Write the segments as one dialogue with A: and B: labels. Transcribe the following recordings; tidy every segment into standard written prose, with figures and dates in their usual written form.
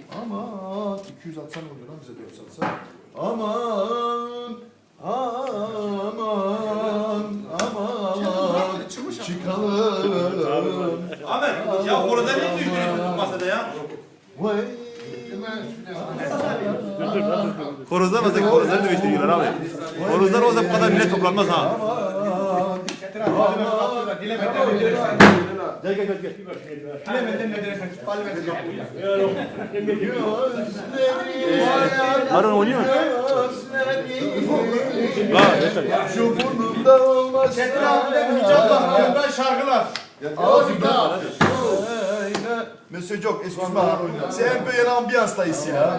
A: Aman 200 atsan ne oluyor lan bize 4 satsa. Aman çıkalım.
B: Ahmet ya orada ne düştünüz masada ya?
A: Vay.
B: Horozlar masada horozları da düştürüyorlar abi. Horozlar olsa bu kadar millet toplanmaz ha. Gel gel gel. Marun oynuyor.
A: Şu burnumda olmaz.
C: Çetin abiden Hicaz Bahman'dan şarkılar.
A: Ağzımda. Monsieur Jock, excuse-moi. C'est un peu une ambiance là ici là.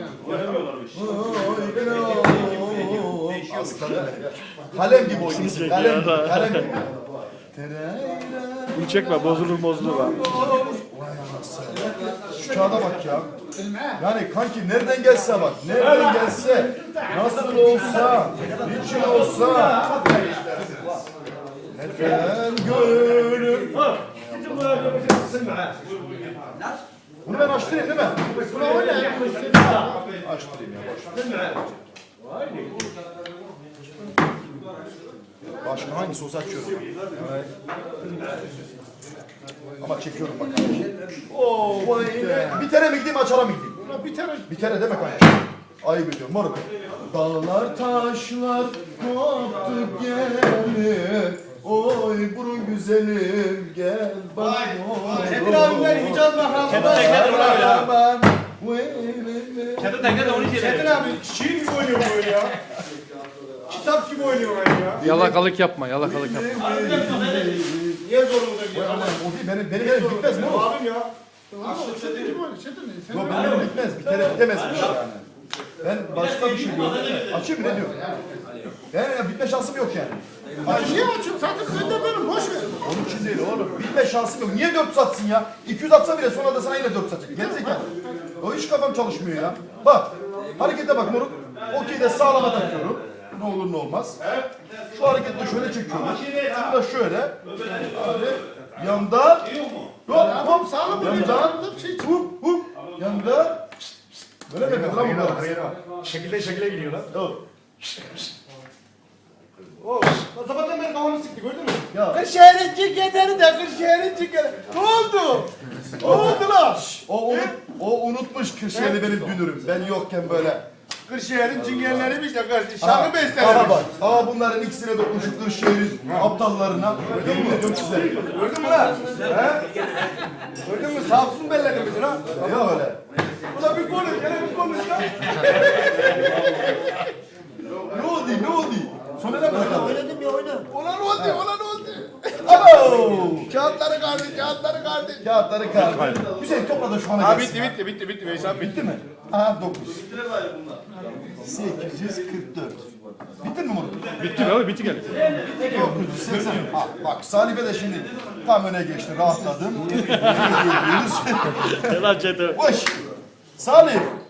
A: Kalem gibi oynuyorsun. Kalem gibi.
D: Bunu çekme, bozulur bak.
A: Şu kağıda bak ya. Yani kanki nereden gelse bak. Nereden gelse. Nasıl olsa. Niçin olsa. Neden gönlüm. Bunu ben açtırayım değil mi? Bunu oynayayım. Açtırayım ya. Başka hangisi olsa açıyorum. Evet. Ama çekiyorum bak. Oo, bitere mi gideyim açara mı gideyim? Bitere deme kanka. Ayıp ediyorum moruk. Dağlar taşlar koptu gelir. Oy burun güzelim gel bak.
C: Çetin abiden Hicaz Bahman'dan
B: Tekrar ya.
A: Ben.
B: Çatı tekrar da onu
C: Çetin
B: içeri.
C: abi şiir gibi oynuyor bu oyun ya. Kitap gibi oynuyor oyun ya.
D: Yalakalık yapma, yalakalık yapma.
C: Niye zorumuza gidiyor?
A: O değil benim bitmez moruk.
C: Abim ya.
A: Yok benim bitmez. Bitemezmiş yani. Ben başka bir şey gördüm. Açayım mı ne diyor? Yani bitme şansım yok yani.
C: Niye açıyorsun? Zaten önden benim boş ver.
A: Onun için değil oğlum. Bitme şansım yok. Niye 400 atsın ya? 200 atsa bile sonra da sana yine 400 atacak. Gerizekalı. O hiç kafam çalışmıyor ya. Bak. Harekete bak moruk. Okey de sağlama takıyorum. Ne olur ne olmaz. Şu hareketi de şöyle çekiyorum. Şunu da şöyle. Abi. Yanda. Hop hop.
C: Sağlam
A: Yanda. Hop hop. Yanda. Böyle mi yapıyordu lan bunlar?
C: Şekilde gidiyor lan.
A: Yok.
C: Sabahtan beri kafamı sıktı gördün mü?
A: Ya.
C: Kırşehir'in ciketleri de Kırşehir'in ciketleri. Ne oldu? Ne oldu lan?
A: O unutmuş Kırşehir'i benim dünürüm. Ben yokken böyle.
C: Kırşehir'in cingenleriymiş de kardeşim.
A: Aha,
C: Şarkı
A: aha
C: beslenmiş.
A: bak. Aha bunların ikisine dokunmuşum Kırşehir'in aptallarına. Yemin ediyorum size.
C: Gördün mü lan? He? Gördün mü? Samsun belledi bizi lan.
A: Ya öyle.
C: Ulan bir konuş, gene bir konuş lan.
A: Ne oldu? Sonra ne bırakalım?
C: Oynadım ya oyna. Ulan oldu.
A: Alo!
C: Kağıtları kardı.
A: Kağıtları kaldı. Hüseyin topla da şu ana
C: Ha
A: gelsin.
C: bitti Veysel bitti.
A: Bitti mi? Aha 9. 844. Bitti mi Murat?
D: Bitti abi, bitti gel.
A: 980. Ha, bak Salife de şimdi tam öne geçti. Rahatladım.
D: Lan Çetin.
A: Boş. Salih.